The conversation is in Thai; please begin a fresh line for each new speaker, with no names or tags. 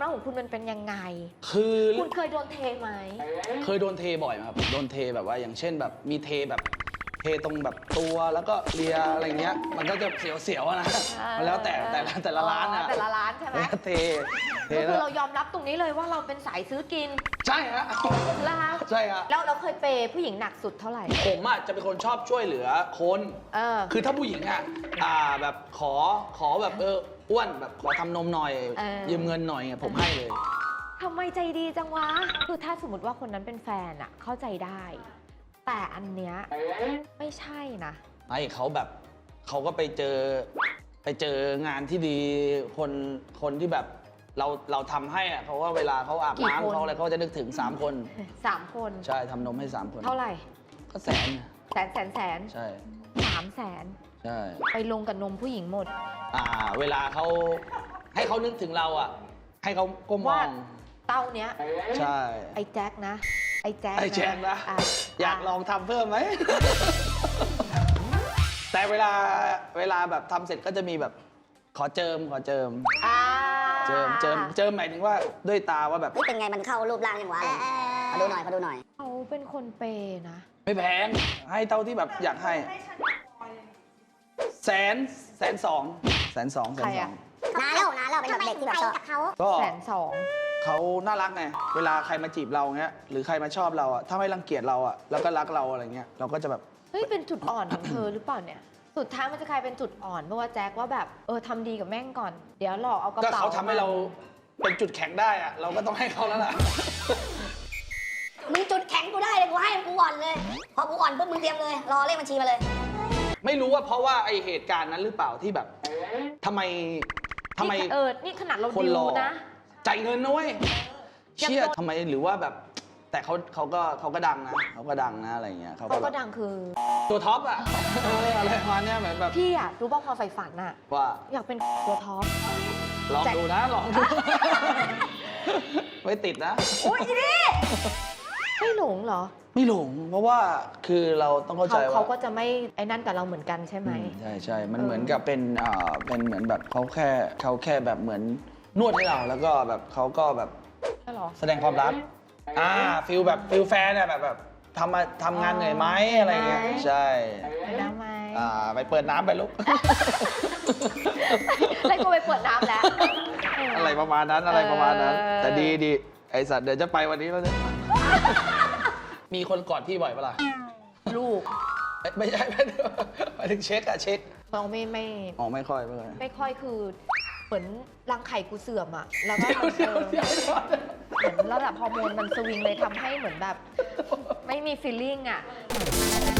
ากของคุณมันเป็นยังไง
คือ
คุณเคยโดนเทไหม
เคยโดนเทบ่อยครับโดนเทแบบว่าอย่างเช่นแบบมีเทแบบเทตรงแบบตัวแล้วก็เลียอะไรเงี้ยมันก็จะเสียวๆนะมันแล้วแต่ละร้านอะ
แต่ละร้านใช่ไหม
เท
ก็คือเรายอมรับตรงนี้เลยว่าเราเป็นสายซื้อกิน
ใช่ฮะใช่ฮะ
แล้วเราเคยเปย์ผู้หญิงหนักสุดเท่าไหร่
ผมอ่ะจะเป็นคนชอบช่วยเหลือคนคือถ้าผู้หญิงอ่ะแบบขอแบบอ้วนแบบขอทำนมหน่อยยืมเงินหน่อยผมให้เลย
ทำไมใจดีจังวะคือถ้าสมมติว่าคนนั้นเป็นแฟนอ่ะเข้าใจได้แต่อันเนี้ยไม่ใช่นะ
ไม่เขาแบบเขาก็ไปเจองานที่ดีคนที่แบบเราทำให้อ่ะเขาว่าเวลาเขาอาบน้ำเขาอะไรเขาจะนึกถึง3 คน
3 คน
ใช่ทำนมให้3 คน
เท่าไหร่
ก็แสน
ใช่300,000
ใช่
ไปลงกับนมผู้หญิงหมด
เวลาเขาให้เขานึกถึงเราอ่ะให้เขาก้มมอง
เต้าเนี้ย
ใช่
ไอ้แจ็คนะไอ้แจ็ค
นะอยากลองทำเพิ่มไหม แต่เวลาแบบทำเสร็จก็จะมีแบบขอเจิมเจิมหมายถึงว่าด้วยตาว่าแบบ
เป็นไงมันเข้ารูปร่างยังวะขอดูหน่อย
เขาเป็นคนเปย์นะ
ไม่แพงให้เท่าที่แบบอยากให้100,000 102,000
ใครอะ
นานแล้วเป็นแบบเด็กที่แบบชอบ
ก็
102,000
เขาน่ารักไงเวลาใครมาจีบเราเงี้ยหรือใครมาชอบเราอะถ้าไม่รังเกียจเราอะแล้วก็รักเราอะไรเงี้ยเราก็จะแบบ
เฮ้ยเป็นจุดอ่อนของเธอหรือเปล่าเนี่ยสุดท้ายมันจะกลายเป็นจุดอ่อนเพราะว่าแจ็คว่าแบบทำดีกับแม่งก่อนเดี๋ยวหลอกเอากระเป๋า
ก็เขาทำให้เราเป็นจุดแข็งได้อะเราก็ต้องให้เขาแล้วล่ะ
มึงจุดแข็งกูได้เลยกูให้กูอ่อนเลยพอกูอ่อนปุ๊บมึงเตรียมเลยรอเลขบัญชีมาเลย
ไม่รู้ว่าเพราะว่าไอเหตุการณ์นั้นหรือเปล่าที่แบบทำไม
นี่ขนาดเราดิวนะ
จ่ายเงินนะเว้ยเชี่ยทำไมหรือว่าแบบแต่เขาก็ดังนะอะไรเงี้ย
เขาก็ดังคือ
ตัวท็อปอะอะไรประมาณเนี้ยเหมือนแบบ
พี่อะรู้ป่ะความใฝ่ฝันอะ
ว่า
อยากเป็นตัวท็อป
ลองดูไม่ติดนะ
โอ้ยนี่ไม่หลงเหรอ
ไม่หลงเพราะว่าคือเราต้องเข้าใจว่า
เขาก็จะไม่ไอ้นั่นกับเราเหมือนกันใช่ไหม
ใช่มันเหมือนกับเป็นเหมือนแบบเขาแค่แบบเหมือนนวดให้เราแล้วก็แบบเขาก็แบบแสดงความรักฟิลแบบฟิลแฟนอะแบบทำงานเหนื่อยไหมอะไรเงี้ยใช่
ไปน้ำไหม
ไปเปิดน้ำไปลูก
ไล่กูไปเปิดน้ำแล้ว
อะไรประมาณนั้นแต่ดีไอสัตว์เดี๋ยวจะไปวันนี้แล้วเนี่ยมีคนกอดพี่บ่อยปะล่ะ
ลูก
ไม่ใช่ไปถึงเช็ค
น้อง
ไม่ค่อย
คือเหมือนรังไข่กูเสื่อมอะแล้วก็เหมือนระดับฮอร์โมนมันสวิงเลยทำให้เหมือนแบบไม่มีฟีลลิ่งอะ